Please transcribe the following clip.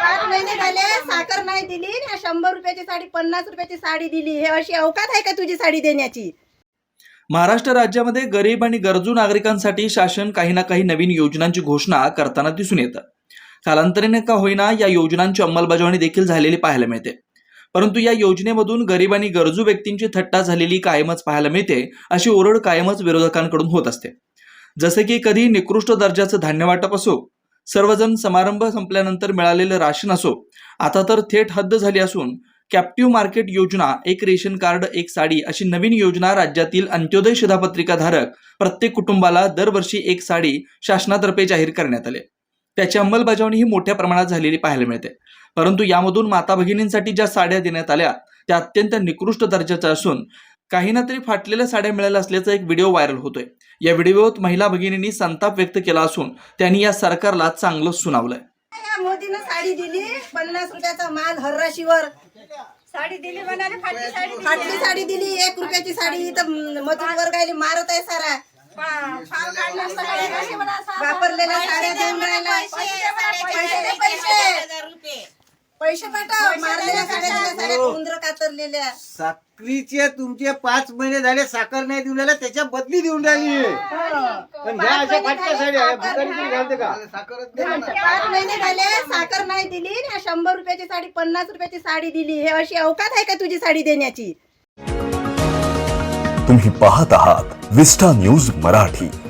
5 महिने झाले साखर नाही दिली ना, 100 रुपयाची साडी 50 रुपयाची साडी दिली. हे अशी अवकात आहे का तुझी साडी देण्याची? महाराष्ट्र राज्यामध्ये गरीब आणि गरजू नागरिकांसाठी शासन काही ना काही नवीन योजनांची घोषणा करताना दिसून येतं. कालांतराने का होईना या योजनांची अंमलबजावणी देखील झालेली पाहायला मिळते. परंतु या योजनेमधून गरीब आणि गरजू व्यक्तींची थट्टा झालेली कायमच पाहायला मिळते, अशी ओरड कायमच विरोधकांकडून होत असते. जसे की कधी निकृष्ट दर्जाचं धान्य वाटप असो, सर्वजण समारंभ संपल्यानंतर मिळालेलं राशन असो, आता तर थेट हद्द झाली असून कॅप्टिव्ह मार्केट योजना, एक रेशन कार्ड एक साडी अशी नवीन योजना राज्यातील अंत्योदय शिधापत्रिकाधारक प्रत्येक कुटुंबाला दरवर्षी एक साडी शासनातर्फे जाहीर करण्यात आले. त्याची अंमलबजावणी ही मोठ्या प्रमाणात झालेली पाहायला मिळते. परंतु यामधून माता भगिनींसाठी ज्या साड्या देण्यात आल्या त्या अत्यंत निकृष्ट दर्जाच्या असून काहींना तरी फाटलेल्या साड्या मिळाल्या असल्याचा एक व्हिडिओ व्हायरल होतोय. या व्हिडिओत महिला भगिनींनी संताप व्यक्त केला असून त्यांनी या सरकारला चांगलं सुनावलंय. मोदीनं साडी दिली, 50 रुपयाचा माल हर्राशीवर साडी दिली, म्हणाले फाटली साडी दिली. 1 रुपयाची साडी तर मजूर वर्गाला मारत आहे सारा. वापरलेल्या साड्या देऊन राहिला. पैसे पाठव. मारलेल्या साड्या उंदर कातरलेल्या. साखरीचे तुमचे 5 महिने झाले साखर नाही देऊन राहिला, त्याच्या बदली देऊन राहिली. पण ह्या अशा फाटक्या साड्या भिकारी घालते का? 5 महिने झाले साखर नाही दिली ना, 100 रुपयाची साडी 50 रुपयाची साडी दिली. हे अशी अवकात आहे का तुझी साडी देण्याची? तुम्ही पाहत आहात विस्टा न्यूज मराठी.